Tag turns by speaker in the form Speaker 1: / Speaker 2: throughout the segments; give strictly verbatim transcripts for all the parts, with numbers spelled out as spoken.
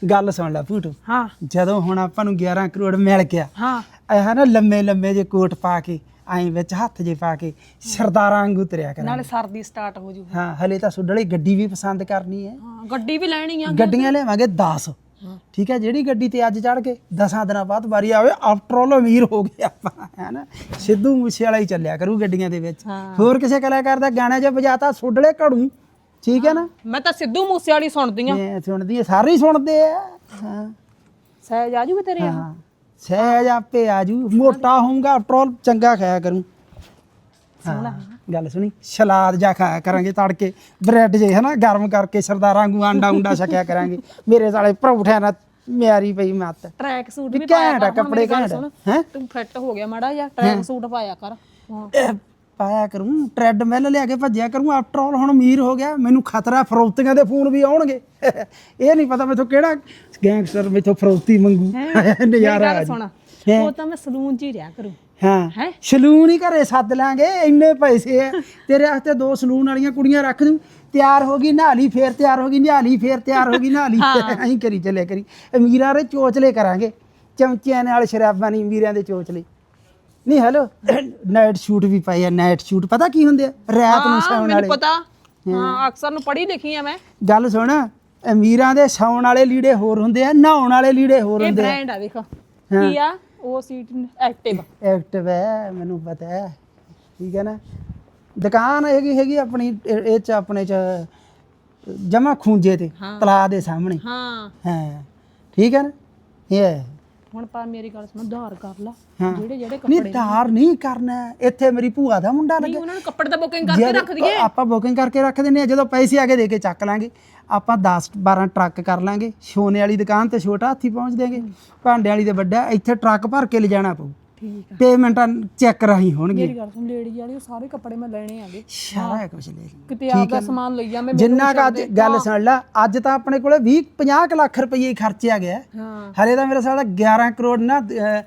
Speaker 1: ਗੱਲ ਸੁਣ ਲੈ ਭੂਟੂ
Speaker 2: ਹਾਂ
Speaker 1: ਜਦੋਂ ਹੁਣ ਆਪਾਂ ਨੂੰ ਗਿਆਰਾਂ ਕਰੋੜ ਮਿਲ ਗਿਆ
Speaker 2: ਹਾਂ
Speaker 1: ਇਹ ਨਾ ਲੰਮੇ ਲੰਮੇ ਜੇ ਕੋਟ ਪਾ ਕੇ ਐਂ ਵਿੱਚ ਹੱਥ ਜੇ ਪਾ ਕੇ ਸਰਦਾਰਾਂ ਵਾਂਗੂ ਤੁਰਿਆ ਕਰਾਂਗੇ
Speaker 2: ਨਾਲੇ ਸਰਦੀ ਸਟਾਰਟ ਹੋ ਜੂ
Speaker 1: ਹਾਂ ਹਲੇ ਤਾਂ ਸੁੱਡਲੀ ਗੱਡੀ ਵੀ ਪਸੰਦ ਕਰਨੀ ਹੈ
Speaker 2: ਹਾਂ ਗੱਡੀ ਵੀ ਲੈਣੀ ਆ
Speaker 1: ਗੱਡੀਆਂ ਲਿਆਵਾਂਗੇ ਦਸ ਠੀਕ ਹੈ ਜਿਹੜੀ ਗੱਡੀ ਤੇ ਅੱਜ ਚੜ ਕੇ ਦਸਾਂ ਦਿਨਾਂ ਬਾਅਦ ਵਾਰੀ ਆਵੇ ਆਫਟਰ ਆਲ ਅਮੀਰ ਹੋ ਗਏ ਆਪਾਂ ਹੈ ਨਾ ਸਿੱਧੂ ਮੂਸੇ ਵਾਲਾ ਹੀ ਚੱਲਿਆ ਕਰੂ ਗੱਡੀਆਂ ਦੇ ਵਿੱਚ ਹੋਰ ਕਿਸੇ ਕਲਾਕਾਰ ਦਾ ਗਾਣਾ ਜੇ ਵਜਾਤਾ ਸੁੱਡਲੇ ਘੜੂ ਠੀਕ ਹੈ ਨਾ
Speaker 2: ਮੈਂ ਤਾਂ ਸਿੱਧੂ ਮੂਸੇ ਵਾਲੀ ਸੁਣਦੀ ਆ
Speaker 1: ਇਹ ਸੁਣਦੀ ਹੈ ਸਾਰੇ ਹੀ ਸੁਣਦੇ ਆ ਹਾਂ
Speaker 2: ਸਹਿਜ ਆਜੂ ਤੇਰੇ
Speaker 1: ਹਾਂ ਸਹਿਜ ਆਪੇ ਆਜੂ ਮੋਟਾ ਹੋਊਗਾ ਆਫਟਰ ਆਲ ਚੰਗਾ ਖਾਇਆ ਕਰੂੰ ਹਾਂ ਗੱਲ ਸੁਣੀ ਸਲਾਦ ਜਾ ਖਾਇਆ ਕਰਾਂਗੇ ਤੜਕੇ ਬ੍ਰੈਡ ਜੇ ਹਨਾ ਗਰਮ ਕਰਕੇ ਸਰਦਾਰਾਂ ਵਾਂਗੂ ਆਂਡਾ ਉਂਡਾ ਛਕਿਆ ਕਰਾਂਗੇ ਮੇਰੇ ਸਾਲੇ ਪਰੌਠਿਆਂ ਨਾਲ ਮਿਆਰੀ ਪਈ ਮੱਤ
Speaker 2: ਟਰੈਕ ਸੂਟ ਵੀ
Speaker 1: ਘੈਂਟ ਆ ਕੱਪੜੇ ਘੈਂਟ ਹੈ
Speaker 2: ਤੂੰ ਫਿੱਟ ਹੋ ਗਿਆ ਮਾੜਾ ਜਿਹਾ ਟਰੈਕ ਸੂਟ ਪਾਇਆ ਕਰ ਹਾਂ
Speaker 1: ਪਾਇਆ ਕਰੂੰ ਟ੍ਰੈਡਮਿਲ ਲਿਆ ਕੇ ਭੱਜਿਆ ਕਰੂੰ ਆਫਟਰ ਆਲ ਹੁਣ ਅਮੀਰ ਹੋ ਗਿਆ ਮੈਨੂੰ ਖਤਰਾ ਫਰੌਤੀਆਂ ਦੇ ਫੋਨ ਵੀ ਆਉਣਗੇ ਇਹ ਨਹੀਂ ਪਤਾ ਮੈਥੋਂ ਕਿਹੜਾ ਗੈਂਗਸਟਰ ਮੈਥੋਂ ਫਰੌਤੀ ਮੰਗੂ ਨਜ਼ਾਰਾ ਆ
Speaker 2: ਸੁਣ ਉਹ ਤਾਂ ਮੈਂ ਸਲੂਨ 'ਚ ਹੀ ਰਿਹਾ ਕਰੂੰ
Speaker 1: ਹਾਂ ਸਲੂਨ ਹੀ ਘਰੇ ਸੱਦ ਲਾਂਗੇ ਇੰਨੇ ਪੈਸੇ ਆ ਤੇਰੇ ਵਾਸਤੇ ਦੋ ਸਲੂਨ ਵਾਲੀਆਂ ਕੁੜੀਆਂ ਰੱਖ ਦੂੰ ਤਿਆਰ ਹੋ ਗਈ ਨਹਾ ਲਈ ਫੇਰ ਤਿਆਰ ਹੋ ਗਈ ਨਹਾ ਲਈ ਫੇਰ ਤਿਆਰ ਹੋ ਗਈ ਨਹਾ ਲਈ ਐਂ ਕਰੀ ਚੱਲਿਆ ਕਰੀ ਅਮੀਰਾਂ ਦੇ ਚੋਚਲੇ ਕਰਾਂਗੇ ਚਮਚਿਆਂ ਨਾਲ ਸ਼ਰਾਬਾਂ ਨਹੀਂ ਅਮੀਰਾਂ ਦੇ ਚੋਚਲੇ ਨਹੀਂ ਹੈਲੋ ਨਾਈਟ ਸ਼ੂਟ ਵੀ ਪਾਏ ਆ ਨਾਈਟ ਸ਼ੂਟ ਪਤਾ ਕੀ ਹੁੰਦੇ ਆ ਰਾਤ ਨੂੰ ਸੌਣ ਵਾਲੇ
Speaker 2: ਪਤਾ ਹਾਂ ਅਕਸਰ ਨੂੰ ਪੜ੍ਹੀ ਲਿਖੀ ਆ ਮੈਂ
Speaker 1: ਗੱਲ ਸੁਣ ਅਮੀਰਾਂ ਦੇ ਸੌਣ ਵਾਲੇ ਲੀੜੇ ਹੋਰ ਹੁੰਦੇ ਆ ਨਹਾਉਣ ਵਾਲੇ ਲੀੜੇ ਹੋਰ ਹੁੰਦੇ ਆ
Speaker 2: ਇਹ ਬ੍ਰਾਂਡ ਆ ਵੇਖ ਕੀ ਆ ਉਹ ਸੀਟ ਐਕਟਿਵ
Speaker 1: ਐਕਟਿਵ ਹੈ ਮੈਨੂੰ ਪਤਾ ਹੈ ਠੀਕ ਹੈ ਨਾ ਦੁਕਾਨ ਹੈਗੀ ਹੈਗੀ ਆਪਣੀ ਇਹ ਚ ਆਪਣੇ ਚ ਜਮਾ ਖੂੰਜੇ ਤੇ ਤਲਾ ਦੇ ਸਾਹਮਣੇ
Speaker 2: ਹਾਂ
Speaker 1: ਹਾਂ ਠੀਕ ਹੈ ਨਾ ਇਹ
Speaker 2: ਹੁਣ ਪਰ ਮੇਰੀ ਗੱਲ ਸੁਣ ਧਾਰ ਕਰ ਲਾ ਜਿਹੜੇ ਜਿਹੜੇ
Speaker 1: ਨਹੀਂ ਧਾਰ ਨਹੀਂ ਕਰਨਾ ਇੱਥੇ ਮੇਰੀ ਭੂਆ ਦਾ ਮੁੰਡਾ ਲੱਗਾ
Speaker 2: ਉਹਨਾਂ ਨੂੰ ਕੱਪੜੇ ਦਾ ਬੁਕਿੰਗ ਕਰਕੇ ਰੱਖ ਦਈਏ
Speaker 1: ਆਪਾਂ ਬੁਕਿੰਗ ਕਰਕੇ ਰੱਖ ਦਿੰਦੇ ਆ ਜਦੋਂ ਪੈਸੇ ਆ ਕੇ ਦੇ ਕੇ ਚੱਕ ਲਾਂਗੇ ਆਪਾਂ ਦਸ ਬਾਰਾਂ ਟਰੱਕ ਕਰ ਲਾਂਗੇ ਸੋਨੇ ਵਾਲੀ ਦੁਕਾਨ ਤੇ ਛੋਟਾ ਹਾਥੀ ਪਹੁੰਚ ਦੇਗੇ ਭਾਂਡੇ ਵਾਲੀ ਤੇ ਵੱਡਾ ਇੱਥੇ ਟਰੱਕ ਭਰ ਕੇ ਲਿਜਾਣਾ ਪਊ
Speaker 2: ਠੀਕ ਆ
Speaker 1: ਪੇਮੈਂਟਾਂ ਚੈੱਕ ਰਾਹੀਂ ਹੋਣਗੇ
Speaker 2: ਮੇਰੀ ਗੱਲ ਸੁਣ ਲੇਡੀ ਵਾਲੀ ਸਾਰੇ ਕੱਪੜੇ ਮੈਂ ਲੈਣੇ ਆਗੇ
Speaker 1: ਸਾਰਾ ਕੁਝ ਲੈ ਲਈ
Speaker 2: ਕਿਤੇ ਆਪਦਾ ਸਮਾਨ ਲਈ ਜਾ ਮੈਂ
Speaker 1: ਜਿੰਨਾ ਕ ਅੱਜ ਗੱਲ ਸੁਣ ਲੈ ਅੱਜ ਤਾਂ ਆਪਣੇ ਕੋਲੇ ਵੀਹ ਪੰਜਾਹ ਲੱਖ ਰੁਪਏ ਖਰਚਿਆ ਗਿਆ
Speaker 2: ਹਾਂ
Speaker 1: ਹਰੇ ਤਾਂ ਮੇਰੇ ਸਾਲਾ ਗਿਆਰਾਂ ਕਰੋੜ ਨਾ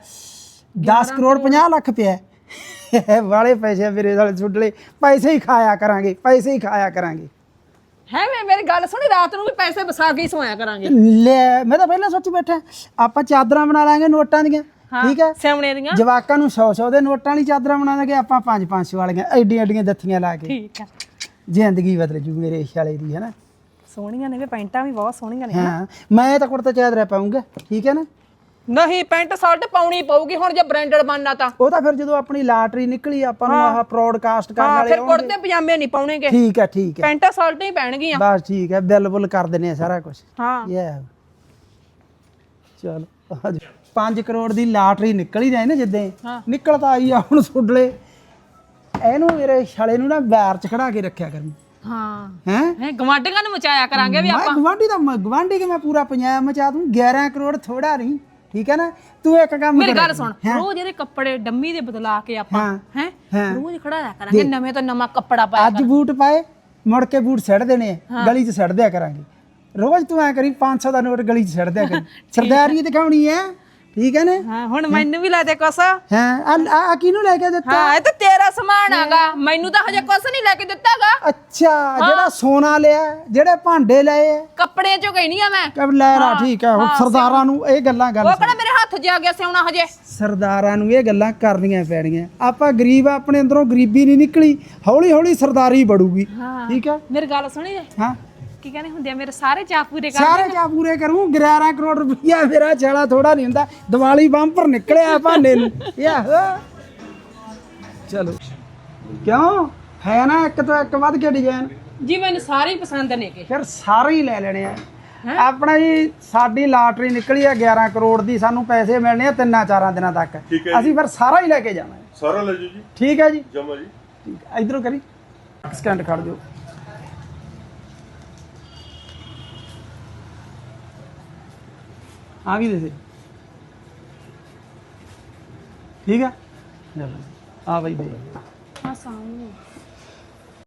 Speaker 1: ਦਸ ਕਰੋੜ ਪੰਜਾਹ ਲੱਖ ਪਿਆ ਵਾਲੇ ਪੈਸੇ ਮੇਰੇ ਸਾਲੇ ਛੁੱਟਲੇ ਪੈਸੇ ਹੀ ਖਾਇਆ ਕਰਾਂਗੇ ਪੈਸੇ ਹੀ ਖਾਇਆ ਕਰਾਂਗੇ
Speaker 2: ਹੈ ਮੈਂ ਮੇਰੀ ਗੱਲ ਸੁਣੀ ਰਾਤ ਨੂੰ ਵੀ ਪੈਸੇ ਵਸਾ ਕੇ ਹੀ ਸੋਇਆ ਕਰਾਂਗੇ
Speaker 1: ਲੈ ਮੈਂ ਤਾਂ ਪਹਿਲਾਂ ਸੋਚੀ ਬੈਠਾ ਆਪਾਂ ਚਾਦਰਾਂ ਬਣਾ ਲਾਂਗੇ ਨੋਟਾਂ ਦੀਆਂ ਠੀਕ ਹੈ
Speaker 2: ਸਿਆਉਣੇ ਦੀਆਂ
Speaker 1: ਜਵਾਕਾਂ ਨੂੰ ਸੌ ਸੌ ਦੇ ਨੋਟਾਂ ਵਾਲੀ ਚਾਦਰਾਂ ਬਣਾ ਦਾਂਗੇ ਆਪਾਂ ਪੰਜ ਪੰਜ ਸੌ ਵਾਲੀਆਂ ਐਡੀਆਂ ਐਡੀਆਂ ਦੱਥੀਆਂ ਲਾ ਕੇ
Speaker 2: ਠੀਕ ਆ
Speaker 1: ਜ਼ਿੰਦਗੀ ਬਦਲ ਜੂ ਮੇਰੇ ਵਾਲੇ ਦੀ ਹੈ ਨਾ
Speaker 2: ਸੋਹਣੀਆਂ ਨੇ ਵੀ ਪੈਂਟਾਂ ਵੀ ਬਹੁਤ ਸੋਹਣੀਆਂ ਨੇ
Speaker 1: ਹਾਂ ਮੈਂ ਤਾਂ ਕੁੜਤਾ ਚਾਦਰਾ ਪਾਉਂਗਾ ਠੀਕ ਹੈ ਨਾ
Speaker 2: ਨਹੀਂ ਪੈਂਟ ਸ਼ਰਟ ਪਾਉਣੀ ਪਊਗੀ ਹੁਣ ਜੇ ਬ੍ਰਾਂਡਡ ਬਣਨਾ ਤਾਂ
Speaker 1: ਉਹ ਤਾਂ ਫਿਰ ਜਦੋਂ ਆਪਣੀ ਲਾਟਰੀ ਨਿਕਲੀ ਆਪਾਂ ਨੂੰ ਆਹ ਪ੍ਰੋਡਕਾਸਟ ਕਰਨ ਵਾਲੇ
Speaker 2: ਫਿਰ ਕੁੜਤੇ ਪਜਾਮੇ ਨਹੀਂ ਪਾਉਣੇਗੇ
Speaker 1: ਠੀਕ ਹੈ ਠੀਕ ਹੈ
Speaker 2: ਪੈਂਟ ਸ਼ਰਟ ਹੀ ਪੈਣਗੀਆਂ
Speaker 1: ਬਸ ਠੀਕ ਹੈ ਬਿੱਲ ਬੁੱਲ ਕਰ ਦਿੰਨੇ ਆ ਸਾਰਾ ਕੁਝ
Speaker 2: ਹਾਂ
Speaker 1: ਯਾ ਚਲ ਪੰਜ ਕਰੋੜ ਦੀ ਲਾਟਰੀ ਨਿਕਲ ਹੀ ਜਾਏ ਨਾ ਜਿੱਦੇ ਨਿਕਲ ਤਾਂ ਆਈ ਆ ਹੁਣ ਸੁੱਡਲੇ ਇਹਨੂੰ ਮੇਰੇ ਛਾਲੇ ਨੂੰ ਨਾ ਬੈਰ ਚ ਖੜਾ ਕੇ ਰੱਖਿਆ ਕਰੀ
Speaker 2: ਹਾਂ
Speaker 1: ਹੈ
Speaker 2: ਹੈ ਗਵਾਂਢੀਆਂ ਨੂੰ ਮਚਾਇਆ ਕਰਾਂਗੇ ਵੀ
Speaker 1: ਆਪਾਂ ਗਵਾਂਢੀ ਦਾ ਗਵਾਂਢੀ ਕੇ ਮੈਂ ਪੂਰਾ ਪੰਜਾਬ ਮਚਾ ਦੂੰ ਗਿਆਰਾਂ ਕਰੋੜ ਥੋੜਾ ਨਹੀਂ ਠੀਕ ਹੈ ਨਾ ਤੂੰ ਇੱਕ ਕੰਮ
Speaker 2: ਮੇਰੀ ਗੱਲ ਸੁਣ ਰੋਜ਼ ਇਹਦੇ ਕੱਪੜੇ ਡੰਮੀ ਦੇ ਬਦਲਾ ਕੇ ਆਪਾਂ ਹੈ ਰੋਜ਼ ਖੜਾਇਆ ਕਰਾਂਗੇ ਨਵੇਂ ਤੋਂ ਨਵਾਂ ਕੱਪੜਾ ਪਾਇਆ
Speaker 1: ਅੱਜ ਬੂਟ ਪਾਏ ਮੁੜ ਕੇ ਬੂਟ ਸਿੱਟ ਦੇਣੇ ਆ ਗਲੀ 'ਚ ਸਿੱਟ ਦਿਆ ਕਰਾਂਗੇ ਰੋਜ਼ ਤੂੰ ਐ ਕਰੀ ਪੰਜ ਸੌ ਦਾ ਨੋਟ ਗਲੀ 'ਚ ਸਿੱਟ ਦਿਆ ਕਰੀ ਸਰਦਾਰੀ ਦਿਖਾਉਣੀ ਹੈ ਠੀਕ ਹੈ ਨਾ
Speaker 2: ਹਾਂ ਹੁਣ ਮੈਨੂੰ ਵੀ ਲੈ ਦੇ ਕੁਛ
Speaker 1: ਹਾਂ ਆ ਕਿਹਨੂੰ ਲੈ ਕੇ ਦਿੱਤਾ
Speaker 2: ਹਾਂ ਇਹ ਤਾਂ ਤੇਰਾ ਸਮਾਨ ਆਗਾ ਮੈਨੂੰ ਤਾਂ ਹਜੇ ਕੁਛ ਨਹੀਂ ਲੈ ਕੇ ਦਿੱਤਾਗਾ
Speaker 1: ਅੱਛਾ ਜਿਹੜਾ ਸੋਨਾ ਲਿਆ ਜਿਹੜੇ ਭਾਂਡੇ ਲਏ
Speaker 2: ਕੱਪੜੇ ਚੋਂ ਕਹਿਨੀ ਆ ਮੈਂ
Speaker 1: ਕਬ ਲੈ ਰਾ ਠੀਕ ਹੈ ਸਰਦਾਰਾਂ ਨੂੰ ਇਹ ਗੱਲਾਂ ਗੱਲ
Speaker 2: ਉਹ ਕਿਹੜਾ ਮੇਰੇ ਹੱਥ 'ਚ ਆ ਗਿਆ ਸਿਉਣਾ ਹਜੇ
Speaker 1: ਸਰਦਾਰਾਂ ਨੂੰ ਇਹ ਗੱਲਾਂ ਕਰਨੀਆਂ ਪੈਣੀਆਂ ਆਪਾਂ ਗਰੀਬ ਆਪਣੇ ਅੰਦਰੋਂ ਗਰੀਬੀ ਨਹੀਂ ਨਿਕਲੀ ਹੌਲੀ ਹੌਲੀ ਸਰਦਾਰੀ ਬੜੂਗੀ ਠੀਕ ਹੈ
Speaker 2: ਮੇਰੀ ਗੱਲ ਸੁਣੀ
Speaker 1: ਹਾਂ
Speaker 2: ਕੀ ਕਹਿੰਦੇ ਹੁੰਦੇ ਆ ਮੇਰੇ ਸਾਰੇ ਚਾਅ ਪੂਰੇ ਕਰ
Speaker 1: ਸਾਰੇ ਚਾਅ ਪੂਰੇ ਕਰੂੰ ਗਿਆਰਾਂ ਕਰੋੜ ਰੁਪਈਆ ਮੇਰਾ ਛਾਲਾ ਥੋੜਾ ਨਹੀਂ ਹੁੰਦਾ ਦੀਵਾਲੀ ਬੰਪਰ ਨਿਕਲਿਆ ਭਾਂਡੇ ਨੂੰ ਆਹੋ ਚਲੋ ਕਿਉਂ ਹੈ ਨਾ ਇੱਕ ਤੋਂ ਇੱਕ ਵੱਧ ਕੇ ਡਿਜ਼ਾਈਨ
Speaker 2: ਜੀ ਮੈਨੂੰ ਸਾਰੇ ਹੀ ਪਸੰਦ ਨੇ ਕਿ
Speaker 1: ਫਿਰ ਸਾਰੇ ਹੀ ਲੈ ਲੈਣੇ ਆ ਆਪਣਾ ਜੀ ਸਾਡੀ ਲਾਟਰੀ ਨਿਕਲੀ ਆ ਗਿਆਰਾਂ ਕਰੋੜ ਦੀ ਸਾਨੂੰ ਪੈਸੇ ਮਿਲਣੇ ਆ ਤਿੰਨਾਂ ਚਾਰਾਂ ਦਿਨਾਂ ਤੱਕ ਅਸੀਂ ਫਿਰ ਸਾਰਾ ਹੀ ਲੈ ਕੇ ਜਾਣਾ
Speaker 3: ਸਾਰਾ ਲੈ ਜਾਓ ਜੀ
Speaker 1: ਠੀਕ ਹੈ ਜੀ
Speaker 3: ਜਮਾ ਜੀ
Speaker 1: ਠੀਕ ਇਧਰੋਂ ਕਰੀ ਸਕਿੰਟ ਖੜ ਦਿਓ आ भी दे ठीक है आ भाई दे
Speaker 2: हाँ सामने